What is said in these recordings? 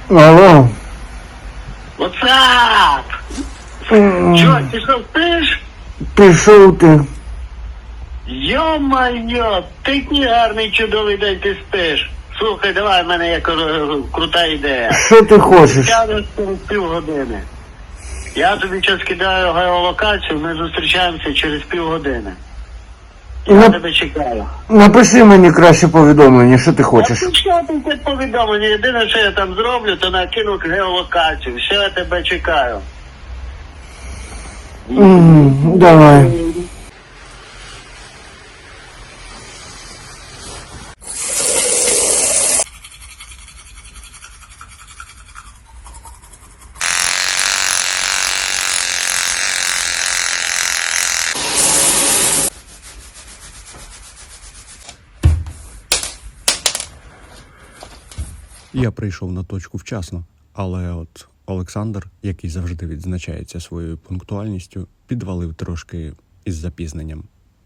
Алло. Ватсап! Чо, ти що спиш? Пішов ти. Йо-майо, такий гарний чудовий день ти спиш. Слухай, давай, в мене є крута ідея. Що ти хочеш? Сядеш через півгодини. Я тобі зараз кидаю геолокацію, ми зустрічаємося через півгодини. Я тебе чекаю. Напиши мені краще повідомлення, що ти хочеш. Що ти повідомлення? Єдине, що я там зроблю, то накину геолокацію. Все, я тебе чекаю. Давай. Я прийшов на точку вчасно, але от Олександр, який завжди відзначається своєю пунктуальністю, підвалив трошки із запізненням.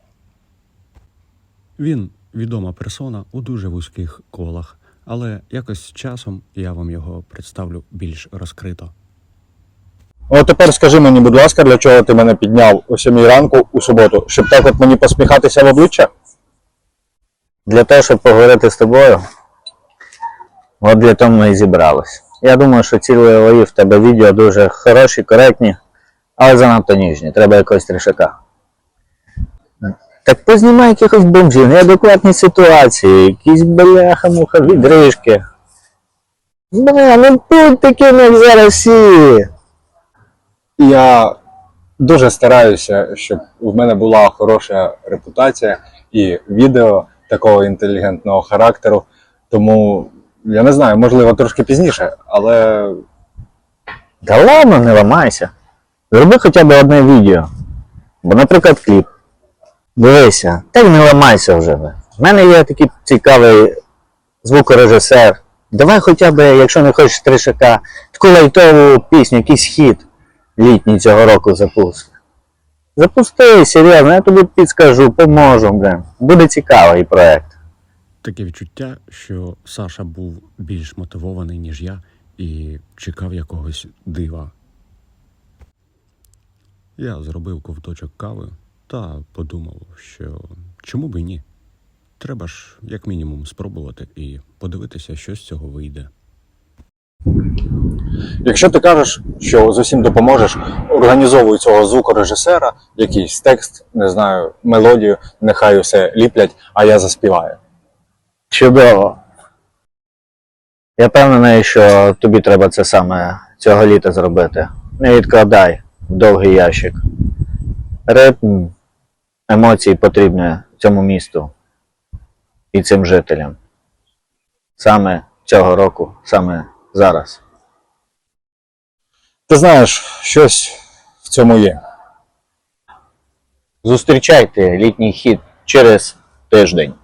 Він відома персона у дуже вузьких колах, але якось з часом я вам його представлю більш розкрито. От тепер скажи мені, будь ласка, для чого ти мене підняв о 7 ранку у суботу? Щоб так от мені посміхатися в обличчя? Для того, щоб поговорити з тобою, от для того ми і зібрались. Я думаю, що ці в тебе відео дуже хороші, коректні, але занадто ніжні. Треба якогось трішака. Так познімай якихось бомжів, неадекватні ситуації, якісь бляха-муха, відрижки. Бля, ну будь таким, як зараз всі. Я дуже стараюся, щоб в мене була хороша репутація і відео такого інтелігентного характеру. Тому, я не знаю, можливо, трошки пізніше, але... Та ладно, не ламайся. Зроби хоча б одне відео. Бо, наприклад, кліп. Дивися, так не ламайся вже. В мене є такий цікавий звукорежисер. Давай хоча б, якщо не хочеш тришака, таку лайтову пісню, якийсь хіт літній цього року запусти. Запусти, серйозно, я тобі підскажу, поможу, блин. Буде цікавий проект. Таке відчуття, що Саша був більш мотивований, ніж я, і чекав якогось дива. Я зробив ковточок кави та подумав, що чому б і ні. Треба ж, як мінімум, спробувати і подивитися, що з цього вийде. Якщо ти кажеш, що з усім допоможеш, організовуй цього звукорежисера, якийсь текст, не знаю, мелодію, нехай усе ліплять, а я заспіваю. Чудово. Я впевнений, що тобі треба це саме цього літа зробити. Не відкладай в довгий ящик. Ритм, емоції потрібні цьому місту і цим жителям. Саме цього року, саме зараз. Ти знаєш, щось в цьому є. Зустрічайте літній хіт через тиждень.